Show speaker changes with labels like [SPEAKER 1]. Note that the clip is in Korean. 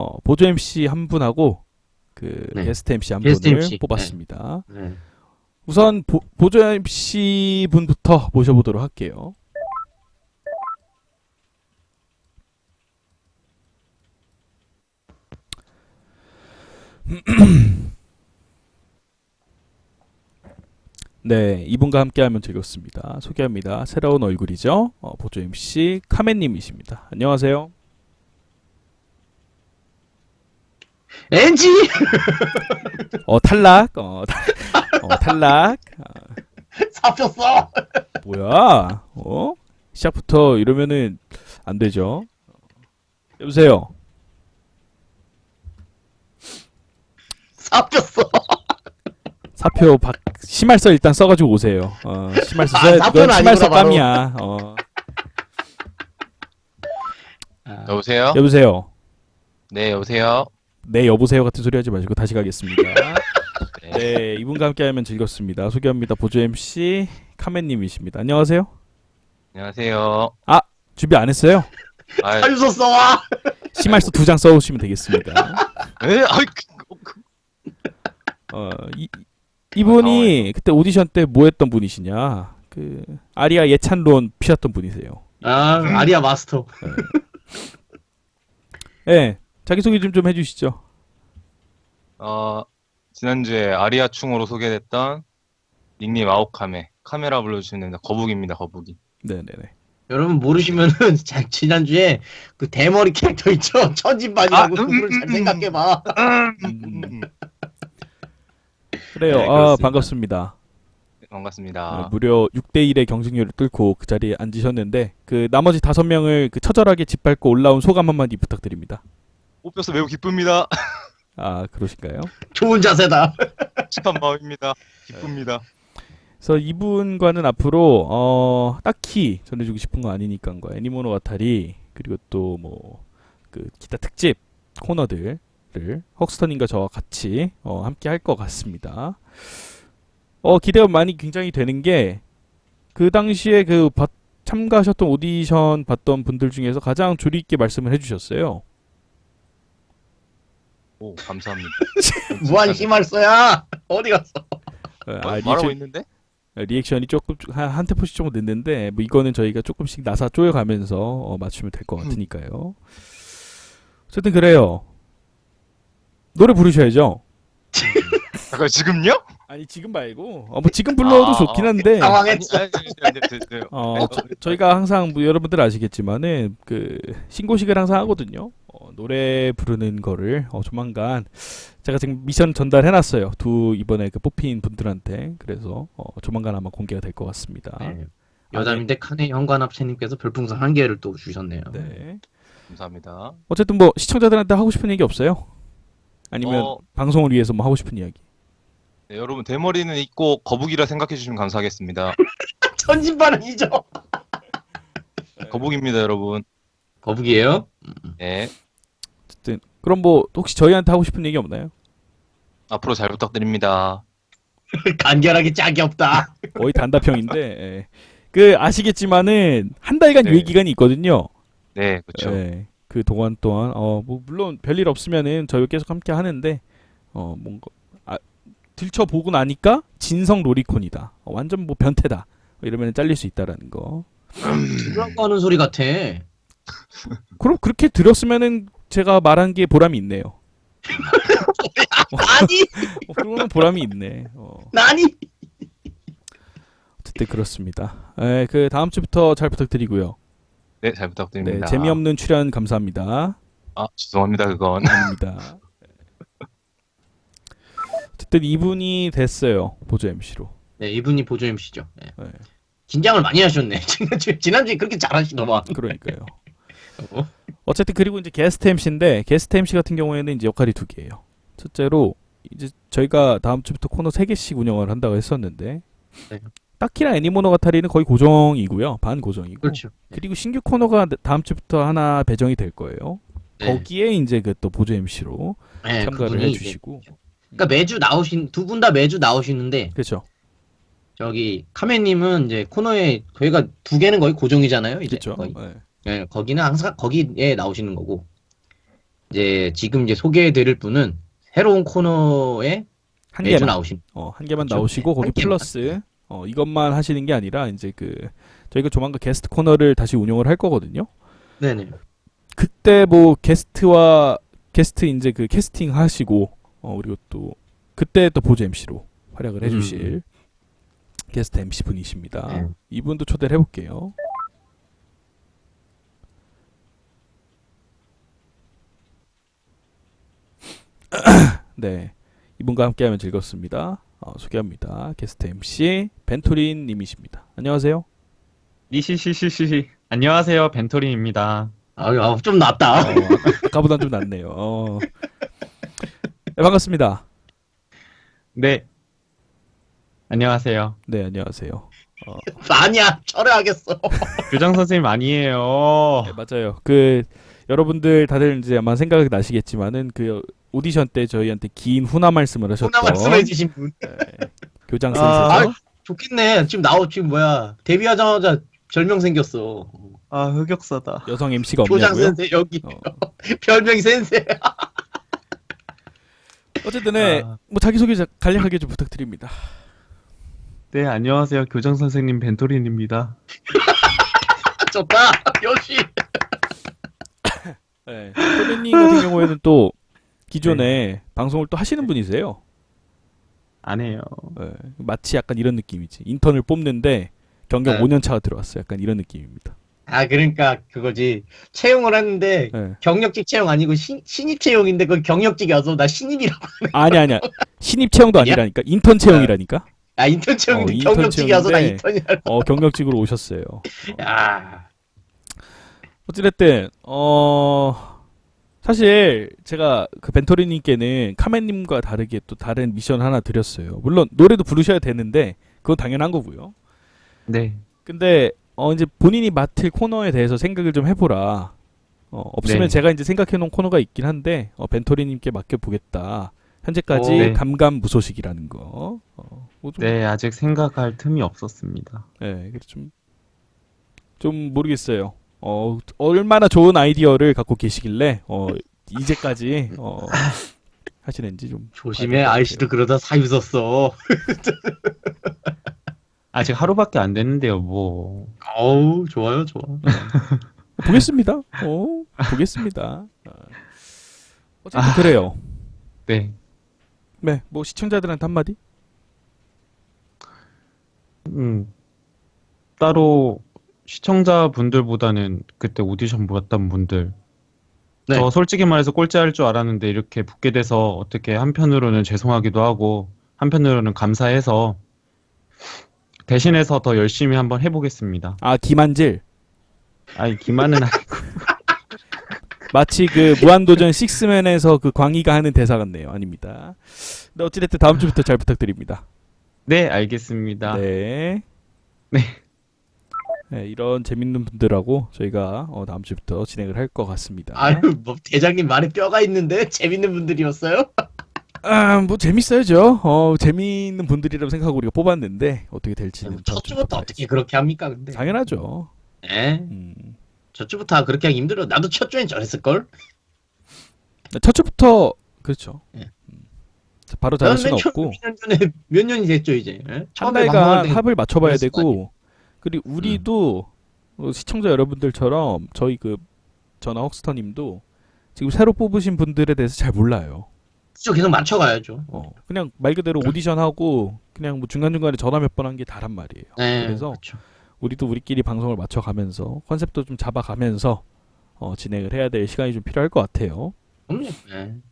[SPEAKER 1] 보조 MC 한 분하고 그
[SPEAKER 2] 네.
[SPEAKER 1] 게스트 MC 한
[SPEAKER 2] 게스트
[SPEAKER 1] 분을
[SPEAKER 2] MC.
[SPEAKER 1] 뽑았습니다.
[SPEAKER 2] 네.
[SPEAKER 1] 우선 보조 MC 분부터 모셔보도록 할게요. 네, 이분과 함께하면 즐겁습니다. 소개합니다. 새로운 얼굴이죠. 보조 MC 카멘님이십니다. 안녕하세요.
[SPEAKER 2] NG!
[SPEAKER 1] 탈락. 탈락.
[SPEAKER 2] 잡혔어!
[SPEAKER 1] 뭐야? 시작부터 이러면은 안 되죠. 여보세요.
[SPEAKER 2] 잡혔어!
[SPEAKER 1] 사표 심할서 일단 써가지고 오세요. 심할서 써야
[SPEAKER 2] 사표는
[SPEAKER 1] 이건 심할서
[SPEAKER 2] 아니구나, 바로.
[SPEAKER 1] 깜이야.
[SPEAKER 3] 여보세요?
[SPEAKER 1] 여보세요.
[SPEAKER 3] 네, 여보세요?
[SPEAKER 1] 네, 여보세요 같은 소리 하지 마시고 다시 가겠습니다.
[SPEAKER 3] 네.
[SPEAKER 1] 네, 이분과 함께하면 즐겁습니다. 소개합니다. 보조 MC 카멘님이십니다. 안녕하세요.
[SPEAKER 3] 안녕하세요.
[SPEAKER 1] 준비 안 했어요?
[SPEAKER 3] 아,
[SPEAKER 2] 사유서 써와!
[SPEAKER 1] 심할서 2장 써오시면 되겠습니다.
[SPEAKER 3] 에? 아이,
[SPEAKER 1] 이분이 그때 오디션 때 뭐 했던 분이시냐? 그 아리아 예찬론 피웠던 분이세요.
[SPEAKER 2] 아리아 마스터.
[SPEAKER 1] 네, 자기소개 좀 해주시죠.
[SPEAKER 3] 지난주에 아리아충으로 소개됐던 닉님 아오카메. 카메라 불러주시면 됩니다. 거북입니다, 거북이.
[SPEAKER 1] 네네네.
[SPEAKER 2] 여러분 모르시면은 지난주에 그 대머리 캐릭터 있죠? 천진반이라고 그걸 잘 생각해봐.
[SPEAKER 1] 그래요.
[SPEAKER 3] 네, 그렇습니다.
[SPEAKER 1] 반갑습니다.
[SPEAKER 3] 반갑습니다.
[SPEAKER 1] 무려 6대1의 경쟁률을 뚫고 그 자리에 앉으셨는데 그 나머지 5명을 그 처절하게 짓밟고 올라온 소감 한마디 부탁드립니다.
[SPEAKER 3] 뽑혀서 매우 기쁩니다.
[SPEAKER 1] 그러실까요?
[SPEAKER 2] 좋은 자세다.
[SPEAKER 3] 착한 마음입니다. 기쁩니다.
[SPEAKER 1] 그래서 이분과는 앞으로 딱히 전해주고 싶은 거 아니니까 애니모노가타리 그리고 또 뭐 그 기타 특집 코너들을 헉스터님과 저와 같이 함께 할 것 같습니다. 기대가 많이 굉장히 되는 게 그 당시에 참가하셨던 오디션 봤던 분들 중에서 가장 조리 있게 말씀을 해주셨어요.
[SPEAKER 3] 오, 감사합니다.
[SPEAKER 2] 무한 희말써야 어디 갔어?
[SPEAKER 3] 말하고 있는데?
[SPEAKER 1] 리액션이 조금 한 테포씩 조금 늦는데 뭐 이거는 저희가 조금씩 나사 쪼여가면서 맞추면 될 것 같으니까요. 어쨌든 그래요. 노래 부르셔야죠.
[SPEAKER 3] 잠깐, 지금요?
[SPEAKER 1] 아니 지금 말고 뭐 지금 불러도 좋긴 한데
[SPEAKER 2] 당황했어.
[SPEAKER 1] 저희가 항상 뭐 여러분들 아시겠지만은 그 신고식을 항상 하거든요. 노래 부르는 거를 조만간 제가 지금 미션 전달해놨어요. 이번에 그 뽑힌 분들한테. 그래서 조만간 아마 공개가 될 것 같습니다.
[SPEAKER 2] 네. 여담인데 칸의 현관합체님께서 별풍선 1개를 또 주셨네요.
[SPEAKER 1] 네.
[SPEAKER 3] 감사합니다.
[SPEAKER 1] 어쨌든 뭐 시청자들한테 하고 싶은 얘기 없어요? 아니면 방송을 위해서 뭐 하고 싶은 이야기?
[SPEAKER 3] 네, 여러분, 대머리는 있고 거북이라 생각해 주시면 감사하겠습니다.
[SPEAKER 2] 천진반은 이죠.
[SPEAKER 3] 거북입니다, 여러분.
[SPEAKER 2] 거북이에요?
[SPEAKER 3] 네.
[SPEAKER 1] 어쨌든 그럼 뭐 혹시 저희한테 하고 싶은 얘기 없나요?
[SPEAKER 3] 앞으로 잘 부탁드립니다.
[SPEAKER 2] 간결하게 짝이 없다.
[SPEAKER 1] 거의 단답형인데 예. 그 아시겠지만은 한 달간
[SPEAKER 3] 네.
[SPEAKER 1] 유예 기간이 있거든요.
[SPEAKER 3] 네, 그렇죠.
[SPEAKER 1] 예. 그 동안 동안 뭐 물론 별일 없으면은 저희 계속 함께 하는데 뭔가 들춰보고 나니까 진성 로리콘이다. 완전 뭐 변태다. 이러면 잘릴 수 있다라는 거.
[SPEAKER 2] 뭐라고 하는 소리 같아.
[SPEAKER 1] 그럼 그렇게 들었으면은 제가 말한 게 보람이 있네요.
[SPEAKER 2] 아니,
[SPEAKER 1] 그러면 보람이 있네.
[SPEAKER 2] 나니.
[SPEAKER 1] 어쨌든 그렇습니다. 그 다음 주부터 잘 부탁드리고요.
[SPEAKER 3] 네, 잘
[SPEAKER 1] 네,
[SPEAKER 3] 부탁드립니다.
[SPEAKER 1] 재미없는 출연 감사합니다.
[SPEAKER 3] 죄송합니다, 그건.
[SPEAKER 1] 아닙니다. 어쨌든 이분이 됐어요. 보조 MC로.
[SPEAKER 2] 네, 이분이 보조 MC죠. 네.
[SPEAKER 1] 네,
[SPEAKER 2] 긴장을 많이 하셨네. 지난주에 그렇게 잘하시더만.
[SPEAKER 1] 그러니까요.
[SPEAKER 2] 어?
[SPEAKER 1] 어쨌든 그리고 이제 게스트 MC인데 게스트 MC 같은 경우에는 이제 역할이 2개예요. 첫째로 이제 저희가 다음 주부터 코너 3개씩 운영을 한다고 했었는데
[SPEAKER 2] 네.
[SPEAKER 1] 딱히나 애니모노가타리는 거의 고정이고요. 반 고정이고.
[SPEAKER 2] 그렇죠.
[SPEAKER 1] 그리고 신규 코너가 다음 주부터 하나 배정이 될 거예요.
[SPEAKER 2] 네.
[SPEAKER 1] 거기에 이제 그 또 보조 MC로
[SPEAKER 2] 네,
[SPEAKER 1] 참가를
[SPEAKER 2] 그분이
[SPEAKER 1] 해주시고.
[SPEAKER 2] 그러니까 매주 두 분 다 매주 나오시는데
[SPEAKER 1] 그렇죠.
[SPEAKER 2] 저기 카메님은 이제 코너에 저희가 2개는 거의 고정이잖아요. 이제
[SPEAKER 1] 그렇죠.
[SPEAKER 2] 거의.
[SPEAKER 1] 네.
[SPEAKER 2] 네, 거기는 항상 거기에 나오시는 거고 이제 지금 이제 소개해드릴 분은 새로운 코너에
[SPEAKER 1] 한
[SPEAKER 2] 매주
[SPEAKER 1] 개만
[SPEAKER 2] 나오신.
[SPEAKER 1] 한 개만
[SPEAKER 2] 그렇죠.
[SPEAKER 1] 나오시고
[SPEAKER 2] 네,
[SPEAKER 1] 거기
[SPEAKER 2] 한 개만.
[SPEAKER 1] 플러스 이것만 하시는 게 아니라 이제 저희가 조만간 게스트 코너를 다시 운영을 할 거거든요.
[SPEAKER 2] 네네.
[SPEAKER 1] 그때 뭐 게스트 이제 그 캐스팅 하시고 그리고 또 그때 또 보조 MC로 활약을 해주실 게스트 MC 분이십니다.
[SPEAKER 2] 네.
[SPEAKER 1] 이분도 초대를 해볼게요. 네, 이분과 함께하면 즐겁습니다. 소개합니다. 게스트 MC 벤토린 님이십니다. 안녕하세요.
[SPEAKER 4] 리시시시시 안녕하세요 벤토린입니다.
[SPEAKER 2] 좀 낫다.
[SPEAKER 1] 아까보단 좀 낫네요. 네, 반갑습니다.
[SPEAKER 4] 네 안녕하세요.
[SPEAKER 1] 네, 안녕하세요.
[SPEAKER 2] 아니야, 철회하겠어.
[SPEAKER 4] 교장 선생님 아니에요.
[SPEAKER 1] 네, 맞아요. 여러분들 다들 이제 아마 생각이 나시겠지만은 그 오디션 때 저희한테 긴 훈화 말씀을 하셨던
[SPEAKER 2] 혼나 말씀해주신 분.
[SPEAKER 1] 네, 교장
[SPEAKER 4] 아,
[SPEAKER 1] 선생님.
[SPEAKER 2] 좋겠네. 지금 뭐야. 데뷔하자마자 별명 생겼어.
[SPEAKER 4] 아 흑역사다.
[SPEAKER 1] 여성 MC가
[SPEAKER 2] 교장
[SPEAKER 1] 없냐고요?
[SPEAKER 2] 센세, 여기.
[SPEAKER 1] 어.
[SPEAKER 2] 별명이 센세.
[SPEAKER 1] 어쨌든 네,
[SPEAKER 4] 아.
[SPEAKER 1] 뭐 자기소개 간략하게 좀 부탁드립니다.
[SPEAKER 4] 네 안녕하세요 교장 선생님 벤토린입니다.
[SPEAKER 2] 좋다. 역시.
[SPEAKER 1] 네, 토리님 같은 경우에는 또 기존에 방송을 또 하시는 분이세요.
[SPEAKER 4] 안 해요.
[SPEAKER 1] 네, 마치 약간 이런 느낌이지. 인턴을 뽑는데 경력
[SPEAKER 2] 네.
[SPEAKER 1] 5년 차가 들어왔어요. 약간 이런 느낌입니다.
[SPEAKER 2] 그러니까 그거지. 채용을 했는데
[SPEAKER 1] 네.
[SPEAKER 2] 경력직 채용 아니고 신입 채용인데 그 경력직이 와서 나 신입이라고.
[SPEAKER 1] 아니야. 신입 채용도
[SPEAKER 2] 아니야?
[SPEAKER 1] 아니라니까. 인턴 채용이라니까.
[SPEAKER 2] 인턴 채용인데
[SPEAKER 1] 인턴
[SPEAKER 2] 경력직이 와서 나
[SPEAKER 1] 채용인데
[SPEAKER 2] 인턴이야.
[SPEAKER 1] 경력직으로 오셨어요.
[SPEAKER 2] 야.
[SPEAKER 1] 어찌됐든 사실 제가 그 벤토리님께는 카멘님과 다르게 또 다른 미션 하나 드렸어요. 물론 노래도 부르셔야 되는데 그건 당연한 거고요.
[SPEAKER 4] 네.
[SPEAKER 1] 근데 이제 본인이 맡을 코너에 대해서 생각을 좀 해보라. 없으면
[SPEAKER 4] 네.
[SPEAKER 1] 제가 이제 생각해놓은 코너가 있긴 한데 벤토리님께 맡겨보겠다. 현재까지
[SPEAKER 4] 네.
[SPEAKER 1] 감감무소식이라는 거. 뭐 좀,
[SPEAKER 4] 네 아직 생각할 틈이 없었습니다.
[SPEAKER 1] 네, 그래서 좀 모르겠어요. 얼마나 좋은 아이디어를 갖고 계시길래 이제까지 하시는지 좀
[SPEAKER 2] 조심해.
[SPEAKER 1] 봐야 될것
[SPEAKER 2] 아이씨도 그러다 사유 썼어.
[SPEAKER 4] 아직 하루밖에 안 됐는데요 뭐.
[SPEAKER 2] 어우, 좋아요.
[SPEAKER 1] 보겠습니다. 보겠습니다. 어쨌든 그래요.
[SPEAKER 4] 네.
[SPEAKER 1] 네, 뭐 시청자들한테 한마디?
[SPEAKER 4] 따로 시청자분들보다는 그때 오디션 보았던 분들.
[SPEAKER 2] 네.
[SPEAKER 4] 저 솔직히 말해서 꼴찌할 줄 알았는데 이렇게 붙게 돼서 어떻게 한편으로는 죄송하기도 하고 한편으로는 감사해서 대신해서 더 열심히 한번 해보겠습니다.
[SPEAKER 1] 김한질.
[SPEAKER 4] 아니 기만은 아니고.
[SPEAKER 1] 마치 그 무한도전 식스맨에서 그 광희가 하는 대사 같네요. 아닙니다. 근데 어찌됐든 다음 주부터 잘 부탁드립니다.
[SPEAKER 4] 네 알겠습니다.
[SPEAKER 1] 네.
[SPEAKER 4] 네.
[SPEAKER 1] 네, 이런 재밌는 분들하고 저희가 다음 주부터 진행을 할 것 같습니다.
[SPEAKER 2] 뭐 대장님 말에 뼈가 있는데 재밌는 분들이었어요?
[SPEAKER 1] 뭐 재밌어야죠. 재미있는 분들이라고 생각하고 우리가 뽑았는데 어떻게 될지는 다음
[SPEAKER 2] 첫 주부터
[SPEAKER 1] 주부터
[SPEAKER 2] 어떻게
[SPEAKER 1] 봐야지.
[SPEAKER 2] 그렇게 합니까, 근데?
[SPEAKER 1] 당연하죠.
[SPEAKER 2] 네.
[SPEAKER 1] 음.
[SPEAKER 2] 첫 주부터 그렇게 하기 힘들어. 나도 첫 주엔 저랬을걸?
[SPEAKER 1] 첫 주부터 그렇죠.
[SPEAKER 2] 예.
[SPEAKER 1] 바로 잘할 수는
[SPEAKER 2] 맨 처음
[SPEAKER 1] 없고
[SPEAKER 2] 2년 전에 몇 년이 됐죠, 이제. 예?
[SPEAKER 1] 한
[SPEAKER 2] 처음에
[SPEAKER 1] 달간
[SPEAKER 2] 방송할 때
[SPEAKER 1] 합을 맞춰봐야
[SPEAKER 2] 그랬을 거
[SPEAKER 1] 되고 그리고 우리도 시청자 여러분들처럼 저희 그 전화 헉스터님도 지금 새로 뽑으신 분들에 대해서 잘 몰라요.
[SPEAKER 2] 그죠, 계속 맞춰가야죠.
[SPEAKER 1] 그냥 말 그대로 오디션하고 그냥 뭐 중간중간에 전화 몇 번 한 게 다란 말이에요.
[SPEAKER 2] 네,
[SPEAKER 1] 그래서
[SPEAKER 2] 그렇죠.
[SPEAKER 1] 우리도 우리끼리 방송을 맞춰가면서 컨셉도 좀 잡아가면서 진행을 해야 될 시간이 좀 필요할 것 같아요.
[SPEAKER 2] 그럼요. 네.